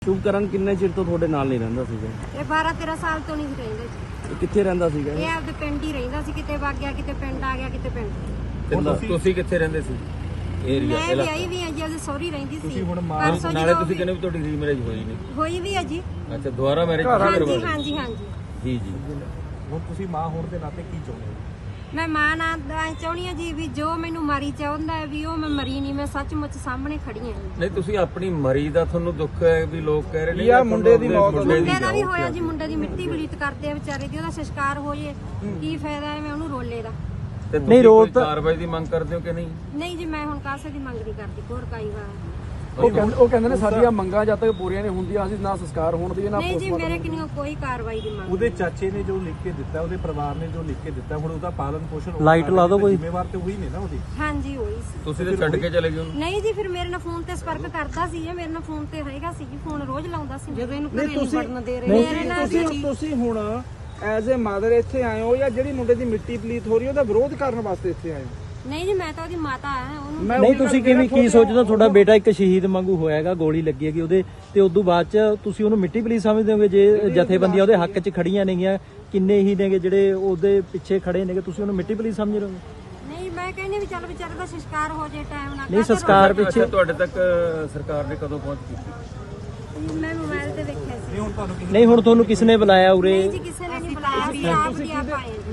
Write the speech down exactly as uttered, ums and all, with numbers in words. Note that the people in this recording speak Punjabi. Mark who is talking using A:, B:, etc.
A: ਸ਼ੁਭਕਰਨ ਕਿੰਨੇ ਚਿਰ ਤੋਂ ਤੁਹਾਡੇ ਨਾਲ ਨਹੀਂ ਰਹਿੰਦਾ ਸੀਗਾ?
B: ਇਹ ਬਾਰਾਂ ਤੇਰਾਂ ਸਾਲ ਤੋਂ ਨਹੀਂ ਸੀ ਰਹਿੰਦਾ ਜੀ।
A: ਇਹ ਕਿੱਥੇ ਰਹਿੰਦਾ ਸੀਗਾ?
B: ਇਹ ਆਪਦੇ ਪਿੰਡ ਹੀ ਰਹਿੰਦਾ ਸੀ, ਕਿਤੇ ਵਗ ਗਿਆ, ਕਿਤੇ ਪਿੰਡ ਆ ਗਿਆ, ਕਿਤੇ ਪਿੰਡ।
C: ਤੇ ਤੁਸੀਂ ਕਿੱਥੇ ਰਹਿੰਦੇ ਸੀ? ਏਰੀਆ
B: ਮੈਂ ਵਿਆਹੀ ਵੀ ਆ ਜੀ, ਉਹਦੇ ਸਹੁਰੀ ਰਹਿੰਦੀ ਸੀ।
C: ਤੁਸੀਂ ਹੁਣ
B: ਪਰਸੋਂ
C: ਨਾਲੇ
B: ਜਦੋਂ
C: ਤੁਸੀਂ ਕਹਿੰਦੇ ਵੀ ਤੁਹਾਡੀ ਰੀਮੈਰਿਜ ਹੋਈ ਨਹੀਂ?
B: ਹੋਈ ਵੀ ਆ ਜੀ।
C: ਅੱਛਾ, ਦੁਬਾਰਾ ਮੈਰਿਜ
B: ਹਾਂਜੀ
C: ਕਰਵਾਈ?
B: ਹਾਂਜੀ ਹਾਂਜੀ।
C: ਜੀ ਜੀ।
D: ਹੁਣ ਤੁਸੀਂ ਮਾਂ ਹੋਣ ਦੇ ਨਾਤੇ ਕੀ ਚਾਹੁੰਦੇ ਹੋ?
B: ਮੈਂ ਮਾਂ ਨਾਲ ਐਂ ਚਾਹੁੰਦੀ ਆ ਜੀ ਵੀ ਜੋ ਮੈਨੂੰ ਮਾਰੀ ਚਾਹੁੰਦਾ ਹੈ ਵੀ ਉਹ ਮੈਂ ਮਰੀ ਨਹੀਂ, ਮੈਂ ਸੱਚਮੁੱਚ ਸਾਹਮਣੇ ਖੜੀ ਆ।
C: ਨਹੀਂ, ਤੁਸੀਂ ਆਪਣੀ ਮਰੀ ਦਾ ਤੁਹਾਨੂੰ ਦੁੱਖ ਹੈ ਵੀ ਲੋਕ ਕਹਿ ਰਹੇ ਨੇ
A: ਯਾ ਮੁੰਡੇ ਦੀ ਮੌਤ
B: ਮੁੰਡੇ ਦਾ ਵੀ ਹੋਇਆ ਜੀ, ਮੁੰਡੇ ਦੀ ਮਿੱਟੀ ਬਲੀਤ ਕਰਦੇ ਆ ਵਿਚਾਰੇ ਦੀ, ਉਹਦਾ ਸੰਸਕਾਰ ਹੋ ਜੇ ਕੀ ਫਾਇਦਾ ਹੈ ਮੈਂ ਉਹਨੂੰ ਰੋਲੇ ਦਾ।
C: ਤੇ ਨਹੀਂ ਰੋਲ ਕਾਰਵਾਈ ਦੀ ਮੰਗ ਕਰਦੇ ਹੋ ਕਿ ਨਹੀਂ?
B: ਨਹੀਂ ਜੀ, ਮੈਂ ਹੁਣ ਕਾਸੇ ਦੀ ਮੰਗ ਨਹੀਂ ਕਰਦੀ ਹੋਰ ਕਾਈ ਵਾਰ।
A: ਉਹ ਕਹਿੰਦੇ ਉਹ ਕਹਿੰਦੇ ਨੇ ਸਾਡੀਆਂ ਮੰਗਾਂ ਜਦ ਤੱਕ ਪੂਰੀਆਂ ਨਹੀਂ ਹੁੰਦੀਆਂ ਅਸੀਂ ਨਾ ਸੰਸਕਾਰ ਹੋਣ ਦੀ ਨਾ
B: ਨਹੀਂ ਜੀ, ਮੇਰੇ ਕਿੰਨੀ ਕੋਈ ਕਾਰਵਾਈ ਦੀ ਮੰਗ।
D: ਉਹਦੇ ਚਾਚੇ ਨੇ ਜੋ ਲਿਖ ਕੇ ਦਿੱਤਾ, ਉਹਦੇ ਪਰਿਵਾਰ ਨੇ ਜੋ ਲਿਖ ਕੇ ਦਿੱਤਾ, ਹੁਣ ਉਹਦਾ ਪਾਲਣ ਪੋਸ਼ਣ
A: ਲਾਈਟ ਲਾ ਦਿਓ ਕੋਈ।
D: ਜ਼ਿੰਮੇਵਾਰ ਤੇ ਹੋਈ ਨਹੀਂ ਨਾ ਉਹਦੀ।
B: ਹਾਂਜੀ ਹੋਈ ਸੀ।
C: ਤੁਸੀਂ ਤੇ ਛੱਡ ਕੇ ਚਲੇ ਗਏ ਉਹਨੂੰ?
B: ਨਹੀਂ ਜੀ, ਫਿਰ ਮੇਰੇ ਨਾਲ ਫੋਨ ਤੇ ਸੰਪਰਕ ਕਰਦਾ ਸੀ ਜੀ, ਮੇਰੇ ਨਾਲ ਫੋਨ ਤੇ ਹੈਗਾ ਸੀ ਜੀ, ਫੋਨ ਰੋਜ਼ ਲਾਉਂਦਾ ਸੀ। ਜਦੋਂ ਇਹਨੂੰ ਘਰੇ ਨਹੀਂ ਵੜਨ ਦੇ ਰਹੇ ਮੇਰੇ ਨਾਲ
E: ਤੁਸੀਂ ਤੁਸੀਂ ਹੁਣ ਐਜ਼ ਅ ਮਦਰ ਇੱਥੇ ਆਏ ਹੋ ਜਾਂ ਜਿਹੜੀ ਮੁੰਡੇ ਦੀ ਮਿੱਟੀ ਪਲੀਤ ਹੋ ਰਹੀ ਉਹਦਾ ਵਿਰੋਧ ਕਰਨ ਵਾਸਤੇ ਇੱਥੇ ਆਏ ਹੋ?
B: ਨਹੀਂ ਜੀ, ਮੈਂ ਤਾਂ ਉਹਦੀ ਮਾਤਾ ਆ ਉਹਨੂੰ।
F: ਨਹੀਂ, ਤੁਸੀਂ ਕਿਵੇਂ ਕੀ ਸੋਚਦੇ? ਤੁਹਾਡਾ ਬੇਟਾ ਇੱਕ ਸ਼ਹੀਦ ਵਾਂਗੂ ਹੋਇਆਗਾ, ਗੋਲੀ ਲੱਗੀ ਹੈਗੀ ਉਹਦੇ ਤੇ ਉਦੋਂ ਬਾਅਦ ਚ ਤੁਸੀਂ ਉਹਨੂੰ ਮਿੱਟੀ ਪਲੀਤ ਸਮਝਦੇ ਹੋਗੇ? ਜੇ ਜਥੇਬੰਦੀਆਂ ਉਹਦੇ ਹੱਕ 'ਚ ਖੜੀਆਂ ਨੇਗੀਆਂ, ਕਿੰਨੇ ਹੀ ਨੇਗੇ ਜਿਹੜੇ ਉਹਦੇ ਪਿੱਛੇ ਖੜੇ ਨੇਗੇ, ਤੁਸੀਂ ਉਹਨੂੰ ਮਿੱਟੀ ਪਲੀਤ ਸਮਝ ਰਹੇ ਹੋ?
B: ਨਹੀਂ, ਮੈਂ ਕਹਿੰਦੀ ਵੀ ਚੱਲ ਵਿਚਾਰੇ ਦਾ ਸੰਸਕਾਰ ਹੋ ਜੇ ਟਾਈਮ ਨਾਲ।
F: ਨਹੀਂ, ਸੰਸਕਾਰ ਪਿੱਛੇ
C: ਤੁਹਾਡੇ ਤੱਕ ਸਰਕਾਰ ਨੇ ਕਦੋਂ ਪਹੁੰਚ ਕੀਤੀ?
B: ਮੈਂ ਮੋਬਾਈਲ ਤੇ ਵੇਖਿਆ ਸੀ।
F: ਨਹੀਂ, ਹੁਣ ਤੁਹਾਨੂੰ ਕਿਸ ਨੇ ਬੁਲਾਇਆ ਉਰੇ?
B: ਨਹੀਂ ਜੀ, ਕਿਸੇ ਨੇ ਨਹੀਂ ਬੁਲਾਇਆ, ਅਸੀਂ ਆਪ ਦੀ ਆਪ ਆਏ।